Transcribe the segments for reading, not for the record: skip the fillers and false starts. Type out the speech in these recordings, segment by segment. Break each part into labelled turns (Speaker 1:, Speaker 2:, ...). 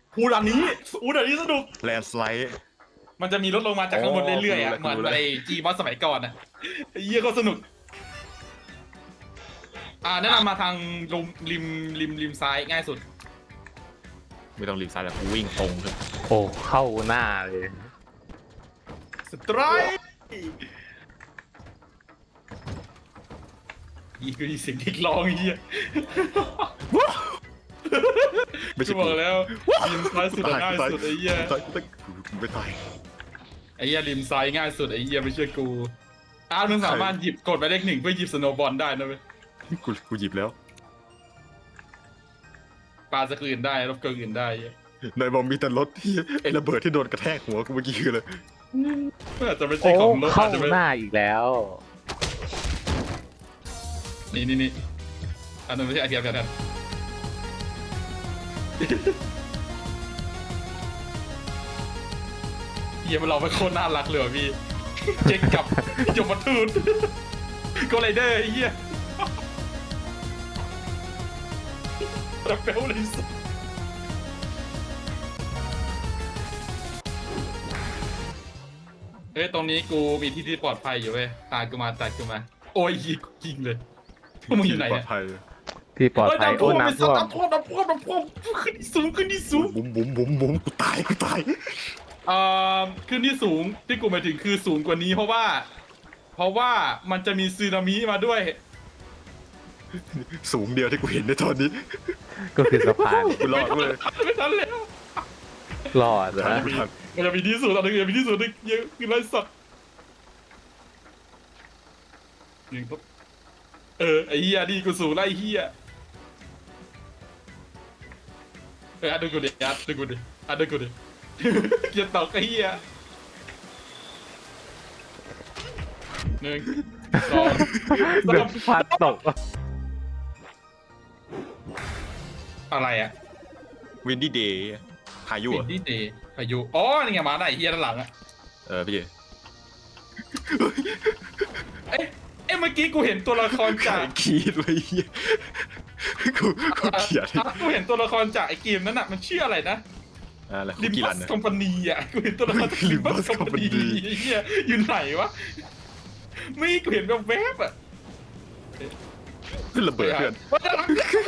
Speaker 1: อูด่านนี้อูด่านนี้สนุก
Speaker 2: แลนสไลด์
Speaker 1: มันจะมีลดลงมาจากข้างบนเรื่อยๆอ่ะ
Speaker 2: กูรู้แล้ว
Speaker 1: เหมือนไอ้จีบอสสมัยก่อนอ่ะไอ้เหี้ยก็สนุกแนะนำมาทางริมซ้ายง่ายสุด
Speaker 2: ไม่ต้องรีบซ้ายแล้วกูวิ่งตรงเลย
Speaker 3: โอ้เข้าหน้าเลย
Speaker 1: สไตรค์อีกคือเสียงเด็กร้องไอ้เหี้ย
Speaker 2: ไม่
Speaker 1: กู
Speaker 2: ใช่
Speaker 1: บ
Speaker 2: กู
Speaker 1: อกแล้วริมซ้ายสุดง่ายสุดไอ้เหี้ย
Speaker 2: ตายกูไม่ตาย
Speaker 1: ไอ้เหี้ยริมซ้ายง่ายสุดไอ้เหี้ยไม่เชื่อกูมึงสามารถหยิบกดไปเลข 1เพื่อหยิบสโนว์บอลได้นะเว้ย
Speaker 2: กูหยิบแล้ว
Speaker 1: ปาสกอื่นได้รบเกินอื่นได้
Speaker 2: นายบอกมีแต่รถที่ไอ้ระเบิดที่โดนกระแทกหัวกูเมื่อกี้คือเลย
Speaker 1: อาจจะไม่ใช่
Speaker 3: โอ้
Speaker 1: ของรถ
Speaker 3: เข้า
Speaker 1: อาจจะไม่
Speaker 3: หน้าอีกแล้ว
Speaker 1: นี่อันนั้นไม่ใช่ไอเทียมกันเฮียมันเราไม่โคตรน่ารักเลยว่ะพี่เจ๊กกับยมทูตก็ไรเดอร์ไอ้เหี้ยระเบลเลยสุดตรงนี้กูมีที่ปลอดภัยอยู่เว้ยตามกูมาโอ้ยยิงเลยพวกมึงอยู่ไหน
Speaker 2: ปลอ
Speaker 1: เนี่ย
Speaker 2: ดภัย
Speaker 3: ที่ปลอดภัยโอ้น้ำท่วม
Speaker 1: น้ำท่วมขึ้นที่สูง
Speaker 2: บุ๋มกูตาย
Speaker 1: ขึ้นที่สูงที่กูหมายถึงคือสูงกว่านี้เพราะว่ามันจะมีสึนามิมาด้วย
Speaker 2: สูงเดียวที่กูเห็นในตอนนี้
Speaker 3: ก็คือสะพาน
Speaker 2: กูรอดเว้ย
Speaker 1: ไม่ทันแล้ว
Speaker 3: รอดนะ
Speaker 2: กูทัน
Speaker 1: มันจะมีที่สูงตอนนึงจะมีที่สูงนึงเยอะคือไรสัตว์หนึ่งครับไอ้เหี้ยนี่กูสูงไล่เหี้ยดูกูดิดูกูดิอย่าตกไอ้เหี้ย1 2
Speaker 3: เดือดพัดตก
Speaker 1: อะไรอ่ะ
Speaker 2: วินดี้เดย์พายุ
Speaker 1: วิ
Speaker 2: อ่ะ
Speaker 1: นดี้เดย์พายุนี่ไงมาได้ไอ้เหี้ยด้านหลังอ่ะ
Speaker 2: พี่
Speaker 1: เมื่อกี้กูเห็นตัวละครจาก
Speaker 2: คีดเลยเหี้ยกูเขียน
Speaker 1: กูเห็นตัวละครจากไอ้เกมนั้นอ่ะมันชื่ออะไรนะ
Speaker 2: อะไร
Speaker 1: ลิม
Speaker 2: กี่
Speaker 1: บั
Speaker 2: ลั
Speaker 1: ส
Speaker 2: นนะ
Speaker 1: คอมพานีอ่ะกูเห็นตัวละครจากลิมบัส
Speaker 2: Limbus
Speaker 1: คอมพานี
Speaker 2: Company
Speaker 1: เฮียอยู่ไหนวะไม่กูเห็นแบบแวบอ่ะ
Speaker 2: ขึ้นระเบิดเพื่อน
Speaker 1: ว่าจะรัก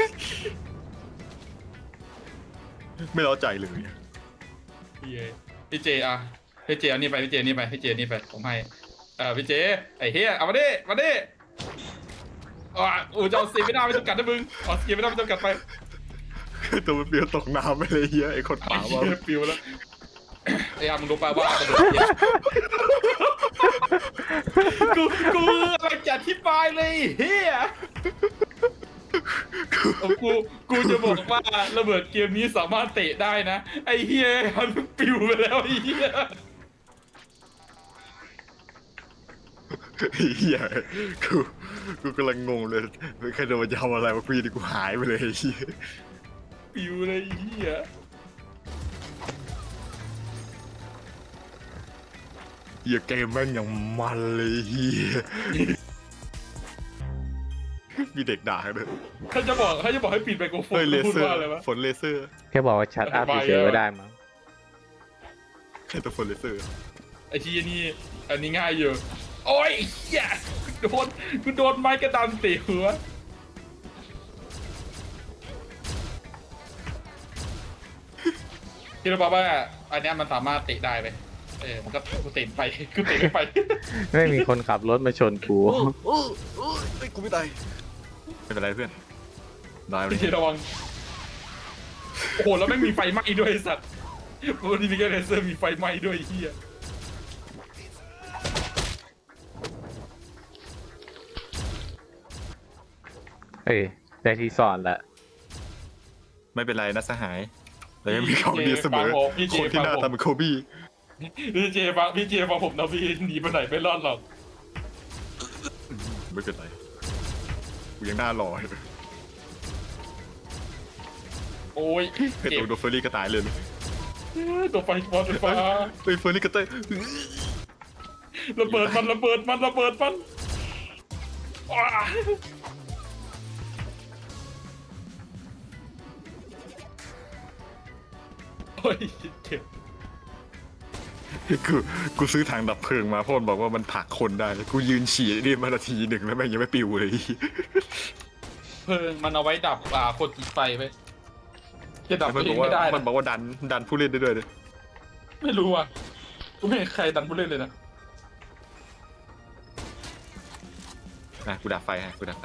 Speaker 2: ไม่ร้อใจเลย
Speaker 1: พี่เจพี่เจเอานี่ไปพี่เจนี่ไปพี่เจนี่ไปผมให้พี่เจไอ้เฮียเอามาดิจะเอาสีไม่ได้ไม่จำกัดนะมึงเอาสีไม่ได้ไม่จำกัดไป
Speaker 2: ตัวมันเปลี่ยวตกน้ำไปเลยเฮียไอ้คน
Speaker 1: ไอ้
Speaker 2: ป่า
Speaker 1: เหี้
Speaker 2: ว่าย
Speaker 1: ปิวแล้วไอ้มึงรู้ป่าวว่ากระโดดเหี้ยกูอะไรจะอธิบายเลยเฮียกูจะบอกว่าระเบิดเกมนี้สามารถเตะได้นะไอ้เฮียมันปิวไปแล้วไอ้เฮีย
Speaker 2: เฮียกูกำลังงงเลยใครโดนมันจะทำอะไรวะกูดีกูหายไปเลยเฮีย
Speaker 1: ปิวเลยไอ้เฮีย
Speaker 2: เฮียเกมแม่งอย่างมันเลยเฮียมีเด็กด่าเลย
Speaker 1: ถ้าจะบอกให้ปิดไมโครโฟน
Speaker 2: เฮ้ยเล
Speaker 1: พูด
Speaker 2: เซอร์
Speaker 1: ว่าอะไรวะ
Speaker 2: ฝนเลเซอร์
Speaker 3: แค่บอกว่าชัดอัพเฉยๆก็ได้มั้ง
Speaker 2: ใครตัวฝนเลเซอร์
Speaker 1: ไอ้เฮียนี่อันนี้ง่ายอยู่โอ้ยเฮียกูโดนไม้กระดานเตะหัวคิดว่าว่าอันเนี้ยมันสามารถเตะได้ไหมมันก็กูเตะไปกูเตะไม่ไป
Speaker 3: ไม่มีคนขับรถมาชนกู
Speaker 2: ไอ้กูไม่ตายไม่เป็นไรเพื่อนได้เลย
Speaker 1: พี่ระวังโอ้โหแล้วไม่มีไฟไหม้ด้วยไอ้สัตว์วันนี้มีแค่เลเซอร์มีไฟไหม้ด้วยไอ้เฮีย
Speaker 3: เอ้ยได้ที่สอนละ
Speaker 2: ไม่เป็นไรนะสหายเรายังมีของดีเสมอคนที่หน้าตาเหมือนโคบี้
Speaker 1: พี่เจฟังผมนะพี่หนีไปไหนไม่รอดหรอก
Speaker 2: ไม่เป็นไรกูยังหน้าหล่ออยู่
Speaker 1: โอ้ย
Speaker 2: ไอ้ตัวโดเฟอร์รี่ก็ตายเลย
Speaker 1: ตัวไฟฟ้า
Speaker 2: ไอ้เฟอร์รี่ก็ตาย
Speaker 1: ระเบิดมันว้าโอ้ยเจ็บ
Speaker 2: กูซื้อถังดับเพลิงมาเพราะมันบอกว่ามันผลักคนได้กูยืนฉี่นี่มานาทีหนึ่งแล้วแม่งยังไม่ปิวเลย
Speaker 1: เพลิงมันเอาไว้ดับคนติดไฟไปจะดับ
Speaker 2: มัน
Speaker 1: เอบ
Speaker 2: อง กว่า
Speaker 1: ไม่ได้
Speaker 2: มัน
Speaker 1: นะ
Speaker 2: บอกว่าดันผู้เล่นได้ด้วยเลย
Speaker 1: ไม่รู้อ่ะกูไม่เห็นใครดันผู้เล่นเลยนะ
Speaker 2: กูดับไฟฮะกูดับไฟ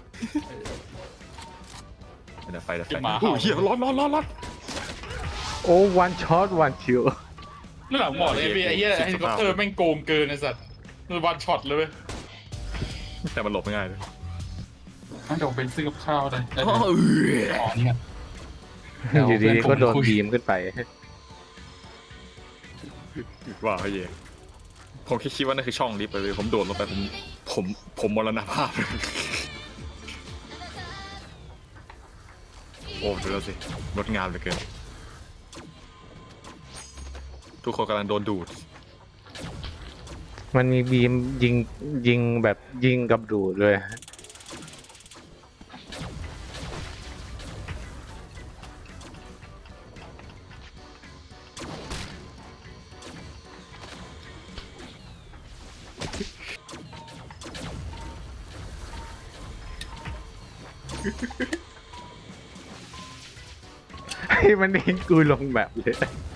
Speaker 2: ดับไฟ
Speaker 1: เก็บหมา
Speaker 2: โอ้
Speaker 1: เห่าย
Speaker 2: เหี้ยร้อน
Speaker 3: โอ้วันช็อตวันคิว
Speaker 1: นั่นแหละหมอเลยไอ้เหี้ยไอ้เฮลิคอปเตอร์แม่งโกงเกินไอ้สัตว์มันวันช็อตเลยเว้ย
Speaker 2: แต่มันหลบไม่ง่ายเลย
Speaker 1: งั้นเดี๋ยวผมไปซื้อกับข้าวได้
Speaker 2: อ๋อ
Speaker 1: อ๋อนี่ไง
Speaker 3: อยู่ดีๆก็โดนบีมขึ้นไป
Speaker 2: ว่าเหี้ยผมแค่คิดว่านั่นคือช่องลิฟต์เลยผมโดดลงไปผมมรณภาพเลยโอ้ดูแล้วสิงดงามเหลือเกินทุกคนกำลังโดนดูด
Speaker 3: มันมีบีมยิงแบบยิงกับดูดเลย ให้มันเองกูลงแบบเลย